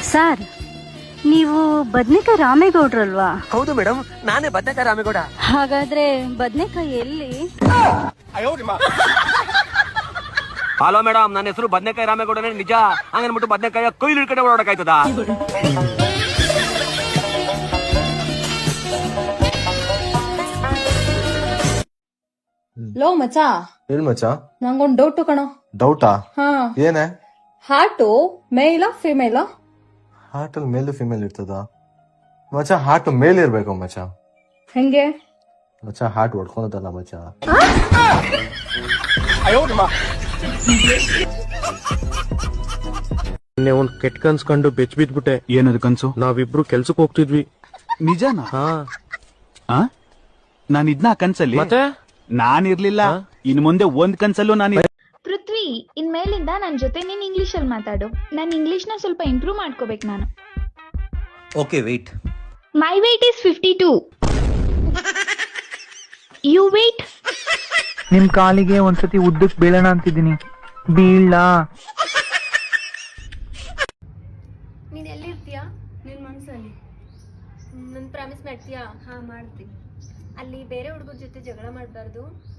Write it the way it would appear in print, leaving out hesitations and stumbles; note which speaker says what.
Speaker 1: Sir, ನೀವು ಬದ್ನೆಕಾಯಿ ರಾಮೇಗೌಡ್ರಲ್ವಾ?
Speaker 2: ಹೌದು ಮೇಡಮ್, ನಾನೇ ಬದನೆಕಾಯಿ ರಾಮೇಗೌಡ.
Speaker 1: ಹಾಗಾದ್ರೆ ಬದ್ನೆಕಾಯಿ ಎಲ್ಲಿ?
Speaker 2: ಹಲೋ ಮೇಡಮ್, ನನ್ನ ಹೆಸರು ಬದನೆಕಾಯಿ ರಾಮೇಗೌಡನೇ ನಿಜ. ಹಂಗನ್ಬಿಟ್ಟು ಬದನೆಕಾಯಿ ಕೊಯ್ಲು ಹಿಡ್ಕಡೆ ಓಡಾಡಕಾಯ್ತದ?
Speaker 3: ಲೋ ಮಚಾ,
Speaker 4: ಹೇಳ ಮಚ್ಚ.
Speaker 3: ನಂಗೊಂದ್ ಡೌಟ್ ಕಣೋ.
Speaker 4: ಡೌಟಾ?
Speaker 3: ಹಾ,
Speaker 4: ಏನೇ?
Speaker 3: ಹಾರ್ಟು ಮೇಲ ಫಿಮೇಲ?
Speaker 4: ಹಾರ್ಟ್ ಅಲ್ಲಿ ಮೇಲ್ ಫಿಮೇಲ್ ಇರ್ತದ ಮಚ್ಚ? ಹಾರ್ಟ್ ಮೇಲ್ ಇರ್ಬೇಕು ಮಚ್ಚ.
Speaker 3: ಹೆಂಗೆ
Speaker 4: ಮಚ್ಚ? ಹಾರ್ಟ್ ಹೊಡ್ಕೊಳದಲ್ಲ ಮಚ್ಚ.
Speaker 5: ನಿನ್ನೆ ಒಂದ್ ಕೆಟ್ಟ ಕನ್ಸ್ ಕಂಡು ಬೆಚ್ ಬಿದ್ಬಿಟ್ಟೆ.
Speaker 6: ಏನದು ಕನ್ಸು?
Speaker 5: ನಾವಿಬ್ರು ಕೆಲ್ಸಕ್ ಹೋಗ್ತಿದ್ವಿ.
Speaker 6: ನಿಜನಾ?
Speaker 5: ಹಾ.
Speaker 6: ನಾನು ಇದ್ನ ಕನ್ಸಲ್ಲಿ
Speaker 5: ಮತ್ತೆ
Speaker 6: ನಾನಿರ್ಲಿಲ್ಲ. ಇನ್ ಮುಂದೆ ಒಂದ್ ಕನ್ಸಲ್ಲೂ ನಾನು
Speaker 7: ಪೃಥ್ವಿ, ಇನ್ಮೇಲಿಂದ ನನ್ನ ಜೊತೆ ನೀನ್ ಇಂಗ್ಲಿಷ್ ಅಲ್ಲಿ ಮಾತಾಡು. ನನ್ನ ಇಂಗ್ಲಿಷ್ ನ ಸ್ವಲ್ಪ ಇಂಪ್ರೂವ್ ಮಾಡ್ಕೋಬೇಕು ನಾನು.
Speaker 2: Okay weight.
Speaker 7: My weight is 52. You weight.
Speaker 8: ನಿಮ್ ಕಾಲಿಗೆ ಒಂದ್ಸತಿ ಉದ್ದಕ್ ಬೀಳೋಣ ಅಂತಿದ್ದೀನಿ. ಬೀಳ.
Speaker 9: ನೀನ್ ಎಲ್ಲಿರ್ತೀಯಾ? ನಿನ್ ಮನ್ಸಲ್ಲಿ. ನನ್ ಪ್ರಾಮಿಸ್ ಮಾಡ್ತೀಯಾ? ಹಾ ಮಾಡ್ತೀನಿ. ಅಲ್ಲಿ ಬೇರೆ ಹುಡುಗರ ಜೊತೆ ಜಗಳ ಮಾಡಬಾರ್ದು.